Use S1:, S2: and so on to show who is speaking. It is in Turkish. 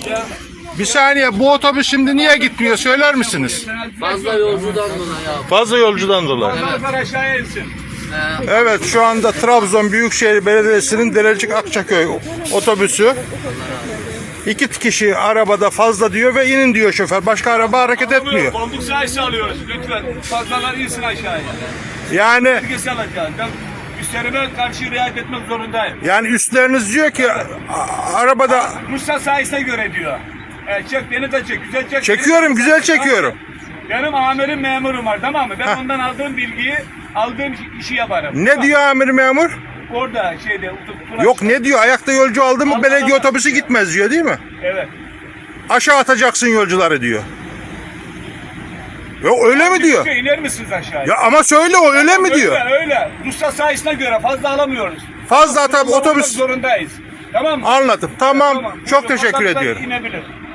S1: Bir saniye, bu otobüs şimdi niye gitmiyor söyler misiniz?
S2: Fazla yolcudan dolayı abi.
S1: Fazla yolcudan dolayı.
S3: Aşağıya insin.
S1: Evet, şu anda Trabzon Büyükşehir Belediyesi'nin Derecik Akçaköy otobüsü. 2 kişi arabada fazla diyor ve inin diyor şoför. Başka araba hareket etmiyor.
S3: Bombuk sayısı alıyoruz. Lütfen fazlalar insin aşağıya.
S1: Yani
S3: Herkes alacağız. Ben üstlerime karşı riayet etmek zorundayım.
S1: üstleriniz diyor ki arabada
S3: Musa sayısına göre diyor. Çek beni de çek. Güzel çek.
S1: çekiyorum, güzel çekiyorum.
S3: Benim amirim memurum var, tamam mı? Ben ondan aldığım bilgiyi, aldığım işi yaparım.
S1: Ne diyor amir memur?
S3: Orada şeyde.
S1: Yok, ne diyor? Ayakta yolcu aldı mı belediye
S3: Almadan-
S1: otobüsü gitmez diyor, değil mi?
S3: Evet.
S1: Aşağı atacaksın yolcuları diyor. Yok, öyle mi diyor?
S3: İner misiniz aşağıya?
S1: Ya ama söyle, o öyle mi diyor?
S3: Öyle. Ruhsat sayısına göre fazla alamıyoruz.
S1: Fazla tabii otobüs.
S3: Zorundayız. Tamam mı?
S1: Anladım. Tamam. Çok teşekkür
S3: Vatandaşlar
S1: ediyorum.
S3: inebilir.